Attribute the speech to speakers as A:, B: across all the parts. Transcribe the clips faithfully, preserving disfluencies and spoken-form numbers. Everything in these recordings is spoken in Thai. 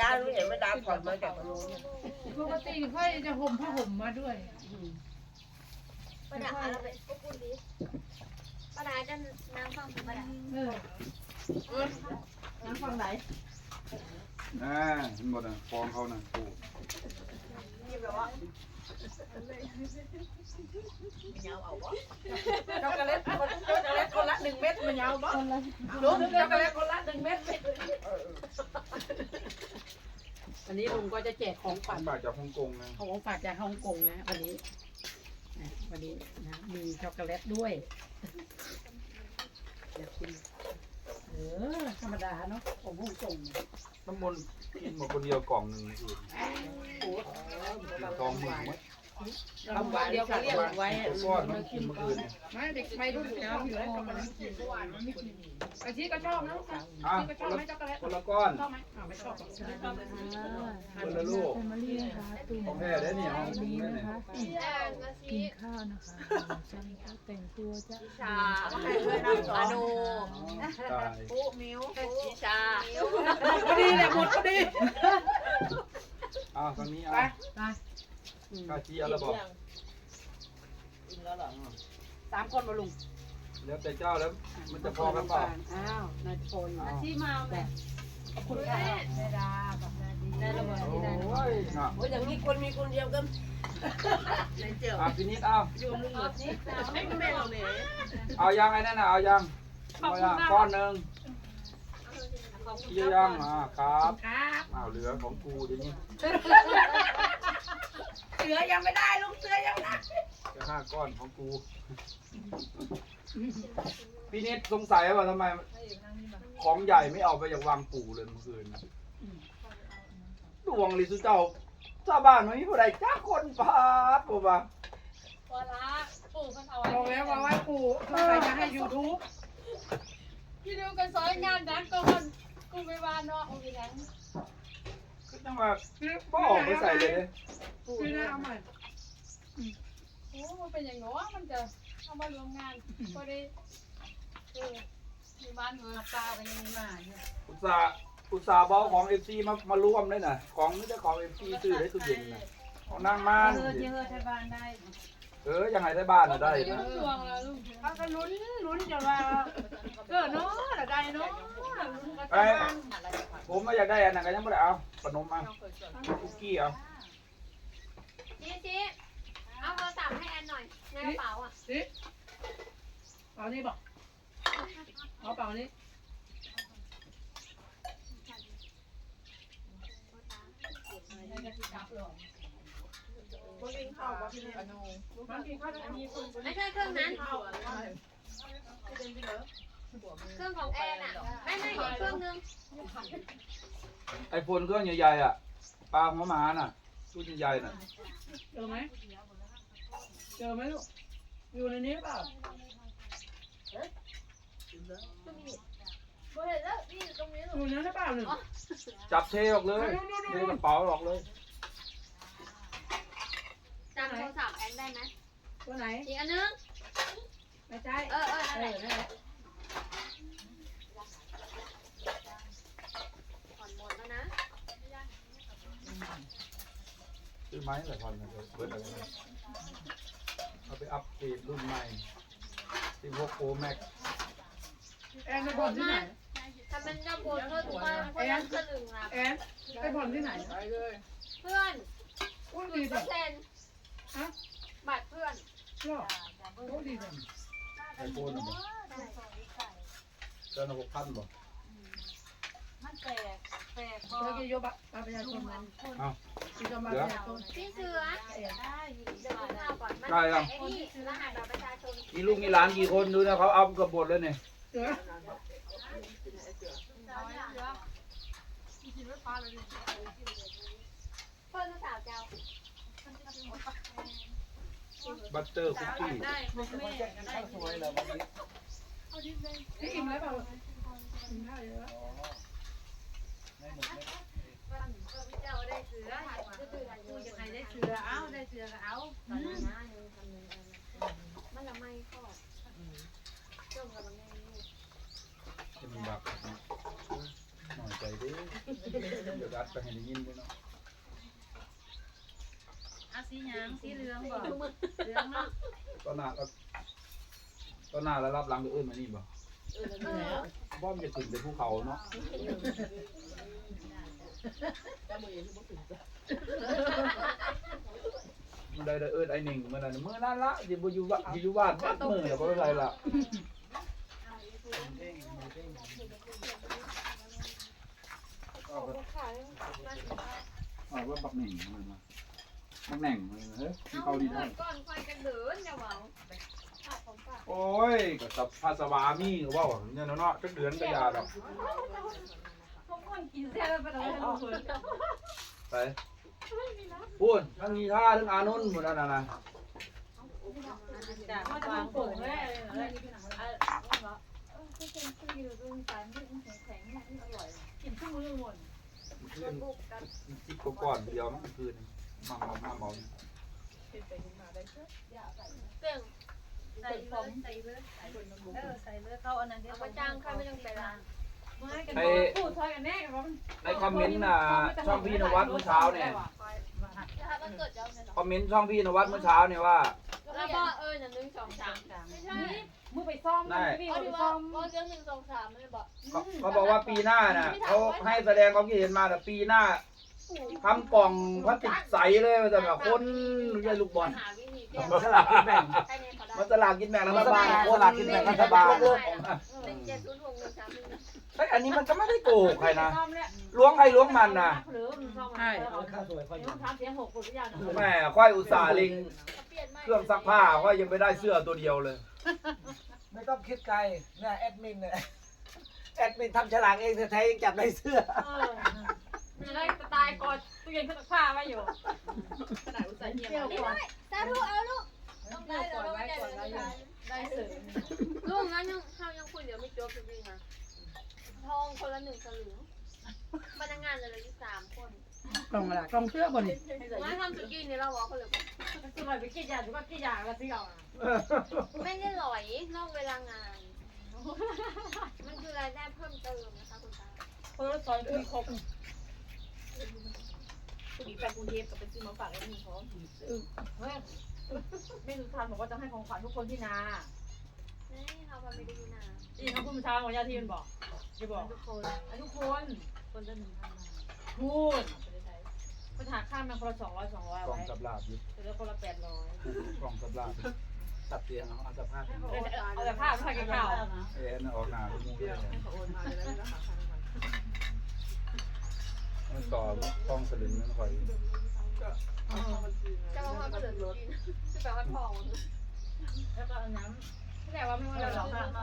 A: ารู้เห็นไม่ดาผ่อนมาจากตรงนู้น
B: ปกติค่อยจะห่มผ้าห่มมาด้วย
C: ป้าดาเราเป็นพวกคุณดีป้าดาจะนั่งฟังป้าดา
B: เออนั่งฟังไหน
D: อ่าเห็นหมดอ่ะฟองเขาน่ะปู
A: นี่แบบว่าเงาเอาวะช็อกโกแลตคนช็อกโกแลตคนละหนึ่งเม็ดมันเงาบ่ลุงช็อกโกแลตคนละหนึ่งเม็ด
E: วันนี้ลุงก็จะแจกของฝาก
D: ฝากจากฮ่องกงนะ
E: ของฝากจากฮ่องกงนะวันนี้นะวันนี้นะมีช็อกโกแลตด้วยอยากกินเออธรรมดาเนาะของฮ่องกง
D: น้ำมนต์กินหมดคนเดียวกล่องหนึ่งอื่นทองหมื่นมั้ย
E: ทำวันเดียวเขาเรียกไว้
D: ก้อนมันกินเมื่อคืน
B: ไม่เด็กไม่รู้อยู่แล้วอยู่แล้วมันไม่กินเมื่อวานมันไม่กินอาชีก็ชอบนะ
D: อ่ะ
B: อาชีก็ชอบไหมช็อกโกแลต
D: คนละก้อน
B: ชอบไหมอ่าไม่ชอบหรอก
D: คนละลูก
F: แฟมิลี่นะคะตุ่ม
D: ของแท้ได้เนี่ยของจริง
F: นี้
D: ได้
F: นะ
D: เนี่ย
F: คะกินข้าวนะคะฉันก็แต่งตัวจะ
A: ชาอโน
D: ตาย
A: ปุ๊มิวชิชา
E: พอดีแหละหมดพอดี
D: อ้าวตอนนี้
B: ไป
D: อ่ะ
B: ไป
D: ข้าชี้เอาระบอก
A: กินแล้วเหรอ
E: สามคนมาลุง
D: แล้วแต่เจ้าแล้วมันจะพอกันเปล่า
E: อ้าวนายโฟน
B: ที่มาแบบ
E: ขอบคุณค่ะ
B: เวลาแบบนาดี
A: ได้ระเบิด
D: โอ้
A: ที่ได้
D: ยน่ะ
A: โอ้ยอย่างนี้คนมีคนเดียวกันในเจียว
D: อ่ะพี่นิดเอา
A: อยู่มึงหมดนี่ให้แม่เราเลย
D: เอายังไอ้นั่นน่ะเอายังเอายังก้อนหนึ่งกี่ยังอ่ะครับ
B: ครับ
D: อ้าวเหลือของกูเดี๋ยวนี้
A: เสือยังไม่ได้ลูกเสือยังได้
D: จะห้าก้อนของกู พี่นิดสงสัยว่าทำไม ของใหญ่ไม่เอาไปจากวางปู่เลยเมื่อคืนน่ะดวงลิสุเจ้าชาวบ้านไม่มีผู้ใดจ้าคนพาดผมว่า
C: วลาปู่มันเอา
B: บอกแล้วว่าว่าปู่สงสัยจะให้ยูทูบ
C: พี่ดูกันซอยงานนั้นก็มันกูไม่ว่าเนาะโอ้ยนั้น
D: คือจังว่าบ่ออกไปใส่เลยเด้
B: คือน่าเอาใหม่
C: โอ้มันเป็นอย่างเนาะมันจะเอามารวมงานก็ได้เออมีบ้านเมืองตากันยังมาเนี่ย
D: อุตส่าห์อุตส่าห์เบาของเอฟซีมามาร่วมเลยน่ะ ของนี่จะของเอฟซีซื้อได้ตู้เย็นน่ะของนางมาน
B: เออเยอะที่บ้านได้
D: เออยังไงได้บ้านน่ะได้
C: ยุ่
D: นะ
C: งดวงแล้วลูก
B: เขาก็ลุ้นลุ้นจะว่าเออเนาะได้เนาะ
D: ไอ้ผมมาอยากได้อันนั้นก็ยังไม่ได้เอาขนมมาคุกกี้เอา
C: ชี้ชี้เอาโทรศัพท์ให้แอนหน่อยในกระเป๋าอ่ะ
B: สิเอานี่บอกเอาเปล่านี้
A: คนกินข้าวบ่พี่อโน
B: มันกินข้าวอันนี้คุณ
C: ไม่ใช่เครื่องนั้น เครื่องของแอนอ่ะไม่ไม่อีกเครื่องนึง
D: ไอโฟนเครื่องใหญ่ๆอ่ะปลาหัวหมาน่ะรุ่นใหญ่ๆน่ะ
B: เจอไหมเจอไหมลูกอยู่ในนี้เปล่า
C: เห็นแล้วนี่ตรงนี้
B: อยู่ในนั้นเปล่าหนึ่ง
D: จับเทออกเลยเทกระเป๋าออกเลย
C: จำโทรศัพท์แอนได้ไหม
B: ตัวไหน
C: อีกอันนึง
B: ไม่ใช่
C: เออเออ
B: เอ
C: นั่นแห
B: อ
C: ละ
B: นั่นแหละ
C: ผ่อนหมดแล้วนะ
D: ซื้อไม้หลายพันนะเบิร์ดอะไรเอาไปอัปเกรดรุ่นใหม่สิบหก Pro Max
B: แอนไปผ่อนที่ไหน
C: ถ้ามันจะปวดเธอถูกป่ะเพราะยังสลึงอ่ะ
B: แอนไปผ่อนที่ไหน
A: ไปเลย
C: เพื่อน
B: อุ้ย
C: ศู
B: ดี
C: นย์เป
B: จั
C: อง ร์เซ็นต์
B: ฮะ
C: บัตรเพื่อน
B: ชอบโอ้ดีจัง
D: ไอโฟนอ่ะบ่เจ้าหน้าหกพันบ่
C: มันแปลกแปลก
B: เมื่อกี้ยกบัตรประชาชนมัน
D: เอา
B: ที่จะมาประชาชน
C: พี่เสือได้เดี๋ยวกินข้าวก่อนมัน
D: ได้ยัง
C: ไอ้นี่รหัสบัตรประชาชน
D: มีลูกมีหลานกี่คนดูนะเขาเอากระบดแล้วเนี่ย
B: เสือ
C: เพื่อนสาวเจ้า
D: บัตเตอร์คุกกี้
B: นี่อิ่มแล้วเปล่าอิ่มข้าวเยอะ
C: เจ้าได้เสือกูยังไงได้เสือเอาได้เสือก็เอาตอนนั้นนะยังทำเลยมันละไม่ก็จ้องกับมันไง
D: จะมันบักหน่อยใจดิดิเดี๋ยวรัดไปให้ได้ยินด้วยเนาะ
C: อาสีหยังสีเหลืองบ่เหลืองเนาะ
D: ตอนหน้าก็ตอนหน้าแล้วรับหลังก็เอื้นมานี่บ่บ่มจะขึ้นไปภูเขาเนาะมันได้ได้เอื้นไอ้หนึ่งมื้อนั้นมื้อนั้นละสิบ่อยู่บ้านสิอยู่บ้านบัดมื้อแล้วบ่เป็นไรล่ะเอาว่าบักแหน่งมันมาบักแหน่งมันเฮ้ยเขาดีได้
C: ก่อนคอยกันเดินอย่าหวังฝากของฝาก
D: โอ้ยก็สับภาษาวามีก็ว่าว่าเนี่ยเนาะจักเดือนก็ยาดอก
C: พวกคนกินแซ่บไปแล้วทุกคน
D: ไปพูดทั้งนีท่าทั้งอานนท์หมดนั่นน่ะนะ
C: จากวางโป่งเลยเลยเออก็เป็นซื้ออยู่ตรงสายมันแข็งๆนี่อร่อยกินทุกมื้อหมด
D: คืนจิบก่อนเดียวมันคืนมาเมามาเมา
C: เก่งใส่เลยใส่เลยเออใส่เลยเขาอันนั้นที่เขาจ้างเขาไม่ต้องไปล้าง
D: ในในคอมเมนต์น่ะช่องพี่นวัดเมื่อเช้าเนี่ยคอมเมนต์ช่องพี่นวัดเมื่อเช้าเนี่ยว่า
C: แล้วก็เออหนึ่งสองสามไม่ใช่
B: มือไปซ่อม
D: ได้
C: เอาดีว่าว่าเรื่องหนึ่งสองสามไม่บอก
D: เขาเขาบอกว่าปีหน้าน่ะเขาให้แสดงความคิดเห็นมาแต่ปีหน้าทำกล่องพลาสติกใสเลยแต่แบบคนใหญ่ลูกบอล
C: หาวิธีแก้
D: มันสลากกินแบ่ง
C: ให้เนี่ยเขาได้
D: มันสลากกินแบ่งรัฐบาลคนสลากกินแบ่งรัฐบาล
C: หนึ่งเจ็ดศูนย์หกหนึ่งสามหนึ่ง
D: เฮ้ยอันนี้มันก็ไม่ได้โกหกใครนะล้วงใครล้วงมันนะ
E: ใช่
B: ข้าวสวยค่อยอยู่
D: แม่ค่อยอุตส่าห์ลิง
C: เปลี่ยนใหม่
D: เครื่องซักผ้าค่อยยังไม่ได้เสื้อตัวเดียวเลย
G: ไม่ต้องคิดไกลเนี่ยแอดมินเนี่ยแอดมินทำฉลากเองแท้ๆยังจับได้เสื้อ
C: จะได้ตายก่อนตู้เย็นเครื่องซักผ้าไว้อยู่ขนาดอุตส่าห์เงียบนี่ด้วยสาธุเอาลูกต้องได้แล้วได้ได้เสริมลูกงั้นยังเขายังคุยเดี๋ยวไม่จบจริงๆนะทองคนละหนึ่งสลึงพนักงานเลยที่สามคน
E: กล่องอะไรกล่องเสื้อบนนี่
C: มาทำสุกี้นี่เราบอกเขาเลย
B: คือไปกินยาหรือว่ากินยาแล้วซื้อเอา
C: ไม่ได้หลอยนอกเวลางาน มันคือรายได้เพิ่มเติมนะคะคุณตา
B: เพิ่มซอยคุยครบ
A: มีแฟนกรุงเทพกับไปซื้อมาฝากไอ้นี่เขา
B: เฮ้ยแม่สุธานบอกว่าจะให้ของขวัญทุกคนที่นา
C: เฮ้ยเขาไม่ได้ดูนะ
B: อีเขาพูดเมื่อเช้าของญาติที่มันบอกจะบอก
C: ทุกคน
B: ทุกคน
C: คนละหนึ่งพัน
B: พูดไปหาข้ามมาคนละสองร้อยสองร้อย
D: กล่อง
B: ไว้
D: สับลาบอยู่
B: เหลือคนละแปดร้อย
D: กล่องสับลาบตัดเตียงเอาเอาสภาพเป็น
B: เอาแต่ผ้าผ้ากันข่าว
D: เอ็นออกหนาลูกมูเลยมันต่อกล้องสลึงนั่นคอย
C: จะมาว่าก็เหลือรถจะแปลว่าทอง
B: แล้วก็อันนั้นแต่ว่าไม่ว่าเราหรอกค่ะ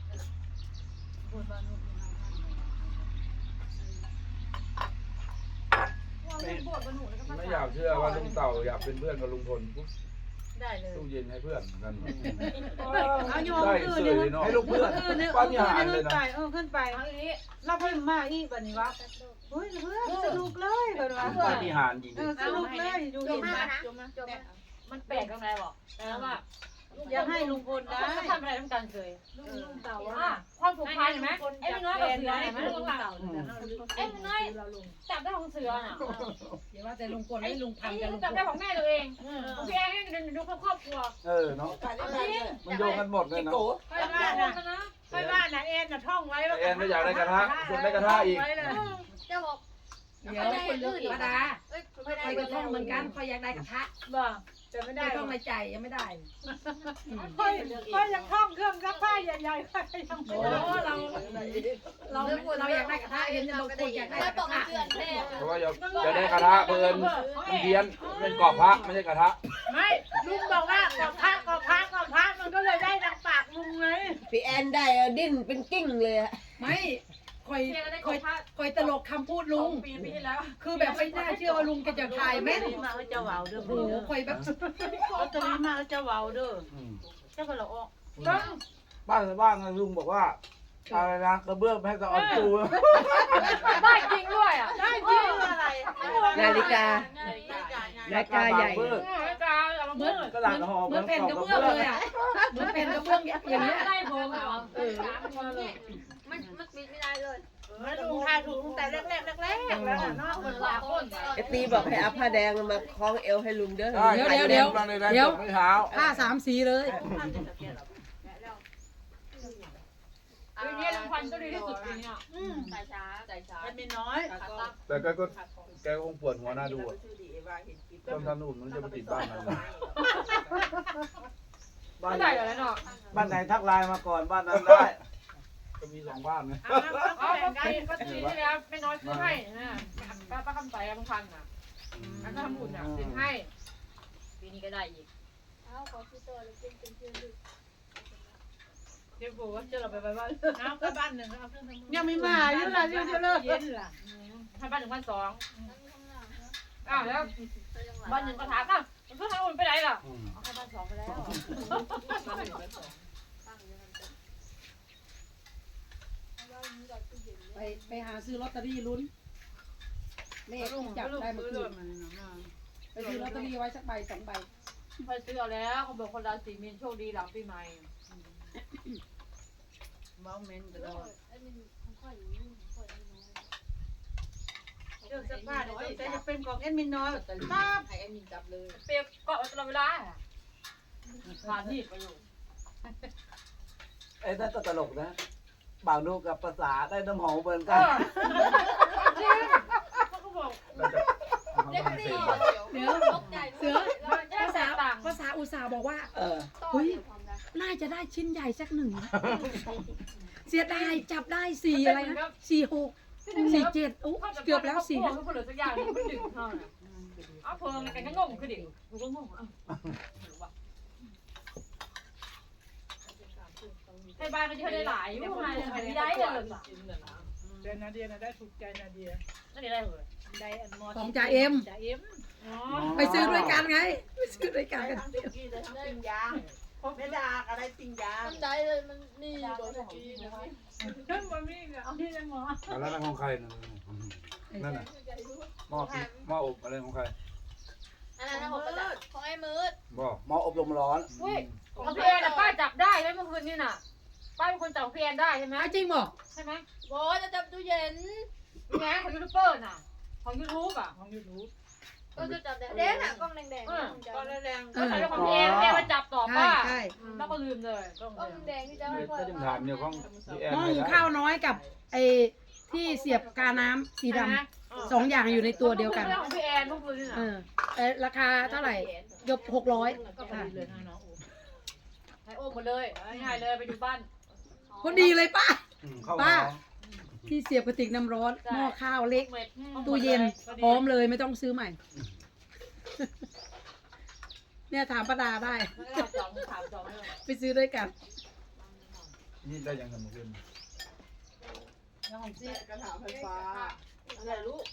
D: ไม่อยากเชื่อว่าลุงเต่าอยากเป็นเพื่อนกับลุงพลปุ๊บ
B: ได้เลย
D: ตู้เย็นให้เพื่อนกัน
E: เอาโยม
D: ได้
E: คืน
D: เสื้
E: นึ
D: อง เลยเนาะให้ลูกเพื่อน
E: คืนนึง
D: ป้า
E: เอ
D: ที่
E: อ
D: หารเล
E: ขึ้
D: ย
E: น
D: นะ
E: ไปเออขึ้นไปเราเพิ่มมาอีกแบบนี้วะเฮ้ยเพื่อนสนุกเลยแบบว่า
D: ป้าที่หารจริง
E: เออสนุกเลยดู
C: จ
E: เห็
C: บ
E: น
C: มา
E: ไหม
C: นะจบมาจบมา
B: มันแปลกตรงไหนบอกแล้วว่า
E: อยากให้ลุงพลได้
B: เขาทำอะไรต้องการเคย
E: ลุงเต่า
B: ว่าความผูกพันเห็นไหมไอ้น้อยกับเสือเห็นไหมลุงหลังไอ้น้อยจับได้ของเสือน่ะ
E: อย่าว่าแต่ลุงพลให้ลุง
B: ไอ้
E: ทำกันลุงพ
B: จับ
E: ล
B: ได้ของแม่ตัวเองของพี่แอนให้ดูครอบครัว
D: เออเนาะมันโยงกันหมดเลยนะ
B: ค่อยว่านะค่อยว่านะแอนน่ะท่องไว้ว่า
D: แอนไม่อยากได้กระทะส่วนได้กระทะอีก
C: จะบอก
E: เดี๋ยวคนอื่นมาดา
C: เอ้ย
E: คอยกระท่องเหมือนกันคอยอยากได้กระทะ
B: บ่จะไม่ได้
E: ไม่ต้องในใจยังไม่ได้
B: ค่อยค่อยยังท่องเครื่องซักผ้าใหญ่ๆค่อยยัง
E: โอ้เราเราเราอยากได้กระทะเห็นบางคนอยากได้
C: ไม่
E: ก
C: บอก
E: ระทะ
C: เพื่อนแท้
D: เพราะว่าอยากจะได้กระทะเบิร์นมันเพี้ยนเป็นกรอบพระไม่ใช่กระทะ
B: ไม่ลุงบอกว่ากอบพระกอบพระกอบพระมันก็เลยได้ดังปากลุงไง
H: พี่แอนได้ดิ้นเป็นกิ้งเลยอะ
E: ไม่คอยคอยคอยตลกคำพูดลุง
B: ปีปีที่แล้ว
E: คือแบบไม่น่าเชื่อว่าลุงจะจะถ่ายแม่น
H: มาเจ้าเบาเด้อ
E: โอ้โหคอยแบบ
H: ลอตเตอรี่มาเจ้าเบาเด้อ
B: เจ้าก็ละออก
D: บ้านบ้านลุงบอกว่าอะไรนะกระเบื้องแพ้จะเอาตู
B: ได้จริงด้วยอ่ะได้จริง
C: อะไร
H: นาฬิกานาฬิกาใหญ่
B: อาจารย์เอามา
E: เหมื
B: เมื่
E: อน
B: อ
D: กระดาษห่อ
E: เหมือนแผ่นกระเบื้องเลยอ่ะเหมือนแผ่นกระเบื้องอย่างเงี้ย
B: ได้โพงเอา
C: มันมันปิดไม่ได้เลย
A: ลุงทายถูกตั้งแต่แรกแรกแรกแรกแล้วเนาะ
B: คนละคน
H: ไอตีบอกให้เอาผ้าแดงมาคล้องเอวให้ลุงเด้อ
G: เดี๋ยวเดี๋ยวเดี๋ยวเดี๋ยวไม่เช้า
E: ผ้าสามสีเลย
B: ปีนี้รางวัลก็ดีที่สุดปีนี้
C: ใจช้าใจช้า
A: มันมีน้อย
D: แต่แกก็แกก็คงปวดหัวหน้าดูอ่ะต้นทำนู่นมันจะไปติดบ้านมัน
G: บ้าน
B: ไม่
G: ไหน
B: ได้เลยเนาะ
G: บ้านไหนทักไลน์มาก่อนบ้านนั้นได้
D: ก็มีสองบ้านไง
B: อ๋อก็ปีก็ปีที่แล้วไม่น้อยซื้อให้นะป้าป้าคำใสบางพันอ่ะอันนั้นทำบุญอ่ะซื้อให้ปีนี้ก็ได้อีก
C: เอาขอซื้อตัวเลยเป็นเป็นเพื่อนดึก
A: เดี๋ยวบอกว่าจะเราไปบ้านเอาก็บ้านหนึ่งเอาเครื่องทำ
E: ยังไม่มาอยู่ละอยู่เลิก
A: เย็นล่ะ
B: ให้บ้านหนึ่งพันสอง
C: นั่งข้างหลังนะ
B: อ้าวแล้วบ้านหนึ่งก็ถามอ้าวมันก็ทำบุญไปไหนล่ะ
D: อืม
B: เอาให้บ้านสองไปแล้ว
E: ไปไปหาซื้อลอตเตอรี่ลุ้นเลขที่จับได้เมื่อคืนไปซื้อลอตเตอรี่ไว้สักใบสองใบ
B: ไปซื้อเอาแล้วเขาบอกคนราศีมีนโชคดีหลังปีใหม่
A: เมาเมนตลอด
C: ไอ้มันค่อยอยู่นี่ค่อยน้อย
A: เรื่องเสื้อผ้าเนี่ยแต่จะเป็นของเอ็นมินน้อยแต่ตาบ
C: ให้ไอ้มินจับเลย
B: เปียกเกาะตลอดเวลาผ่านนี่ไปอยู่
G: ไอ้นั่นก็ตลกนะบ่าวนูกับภาษาได้น้ำหอมเหมือน
B: เอ
G: กัน
B: อจริงเขาก็บอก
D: แล้วจะทำ
C: เด็ก
D: ทำ
C: ดี
D: เสร็จ
C: เดี๋ยวตกใจ
E: เสือ
B: แค่แสนต่าง
E: ภาษาอุตสาห์บอกว่า
G: เออ
C: ต่อเดี๋ยวความรัก
E: น่าจะได้ชิ้นใหญ่สักหนึ่ง เสียดายจับได้สี่อะไรนะสี่หกสี่เจ็ดอุ๊เกือบแล้วสี่
B: เขาเหลือสักอย่างนึงมันดึงเท่านั้นเอาเพิ่งกันก็งงคือดิกูก็งงอ่ะให้บ้านก็จะได้หลายอยู่ไงไม่ได้เลย
A: เจนาเดียนะได้ถูกใจนาเดีย
B: นั่นได้เลย
A: ได้อันมอ
E: ของจ่าเอ็ม
A: จ่าเอ็ม
B: อ๋อ
E: ไปซื้อด้วยกันไงไปซื้อด้วยกันกัน
A: ทั้งสุกี้และทั้งปิ้งย่างไม่ได้อะไรปิ้งย่าง
C: มันได้เลยมันนี่โดนกีนะ
A: เพิ่งมามีเอาที่ยังหมอ
D: แล้วนั่นของใครนั่นนั่นน่ะหม้อปิ้งหม้ออบอะไรของใคร
C: อันนั้นนะผมประจับของไอ้มืด
D: บอก
G: หมออบรมร้อน
B: อุ้ยของพี่แอนป้าจับได้ไหมเมื่อคืนนี่น่ะป้าเป็นคนจับพี่แอนได้ใช่ไหม
E: จริงบอก
B: ใช่ไหม
C: โบจะจับตู้เย็น
B: นี่ไงของยูทูบเบอร์น่ะของยูทูบอ่ะ
A: ของยูทูบ
C: ก็จะจับแดงอ่ะกล้องแดงๆ
A: ก็แรง
B: ก็ใช้ของพี่แอนพี่แอนมาจับต่อ
E: ใช่
B: ป้า
E: ใช่
B: แล้วก็ลืมเลย
C: กล้องแดงที่จะให้พ่อ
D: ก็ยังถามเนี่ยของพี่แอน
E: หม้อ
D: ไม่
E: หุง
D: ได้
E: ข้าวน้อยกับไอ้ที่เสียบกาน้ำสีดำสองอย่างอยู่ในตัวเดียวกัน
B: เรื่องของพี่แอนเมื่อคืนนี่น่ะ
E: เออแต่ราคาเท่าไหร่ยกหกร้อย
A: ก็พอดีเลยนะน้องโอ้
B: ให้โอ้หมดเลยง่ายเลยไปดูบ้าน
E: พอดีเลยป้า
G: อืมเข้า
E: ป้า
G: ร้อน
E: ที่เสียบกระติกน้ำร้อนหม้อข้าวเล็ก
B: เม็ด
E: ตู้เย็นพร้อมเลยไม่ต้องซื้อใหม่ เนี่ยถามป้าดาได้
B: ถามจองถามจองเลย
E: ไปซื้อด้วยกัน
D: นี่ได้ยังทำขึ้น
A: แล้วของซี่กระถางไฟฟ้าอะไรลูก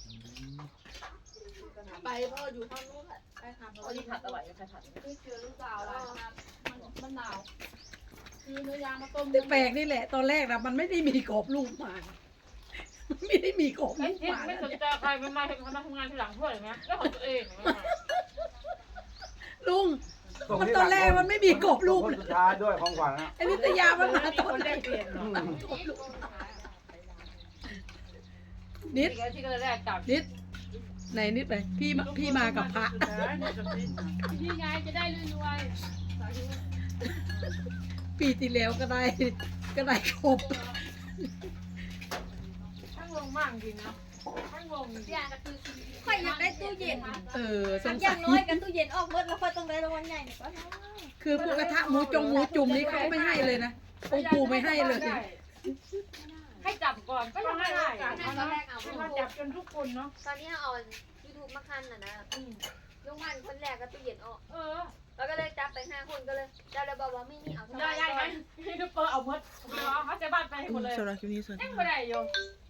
A: ไปพ่ออยู่ข้างนู้นแหละไปหาพ่อ
B: เอาที่ผัดอร่อยกับใครผัด
C: คือเจอลูกสาวแล้ว
A: มันหนาวคือเนื้อยางมาต้ม
E: แปลกนี่แหละ ตอนแรกนะมันไม่ได้มีกรอบรูปมามันไม่ได้มีกรอบ
B: ไม่
E: รูป
B: คิด
E: มา
B: ไม่สนใจใครไม่มาทำทำงานทีหลังเพื่อนไหมแล้วของตัวเอง
E: ลุง มันตอนแรกมันไม่มีกรอบรูป
G: คนสุดท้ายด้วยของขวัญนะ
E: ไอ้นิตยามันมาต
A: ค
E: อน
A: น
E: แร
A: ได้
E: ก
A: เปลี่ยนเนาะ
E: นิด
B: ที่ก็แรกจับ
E: นิดไหนนิดไปพี่มาพี่มากับพระ
C: พี่ไงจะได้รวย
E: ปีที่แล้วก็ได้ก็ได้ครบ
B: ช่างงงมากจริงนะช่างงง
C: ๆอย่างก็คือค่อยอยากได้ตู้เย็น
E: เออส
C: สั
E: ง
C: กอ
E: สั
C: ย่างน้อยกันตู้เย็นออกเมื่อแล้วค่อยต้องได้รางวัลใหญ่ก็ได้
E: คือพวกกระทะหมูจงหมูจุ่มนี่เขาไม่ให้เลยนะองค์ปู่ไม่ให้เลย
B: ให้จับก่อนก็ยังไม่ได้
C: ให้ตอนแรกเอา
A: ให้มาจับกันทุกคนเนาะ
C: ตอนนี้เอายูทูบมาคันน่ะนะลุงมันคนแรกก็ตู้เย็นออก
B: เออ
C: แล้วก็เลยจับไปห้าคนก็เลยจับเลยบอกว่าไม่นี่เอาส
B: ได้
C: บาย
B: ได้ไหมพี่ดูเปอร์เอาหมดเขาจะบ้านไปให้หมดเลย
F: สำหรับคลิปนี้สวัสดี
B: ยัง
F: ค่ะ
B: ไม่ได้อยู่
C: เ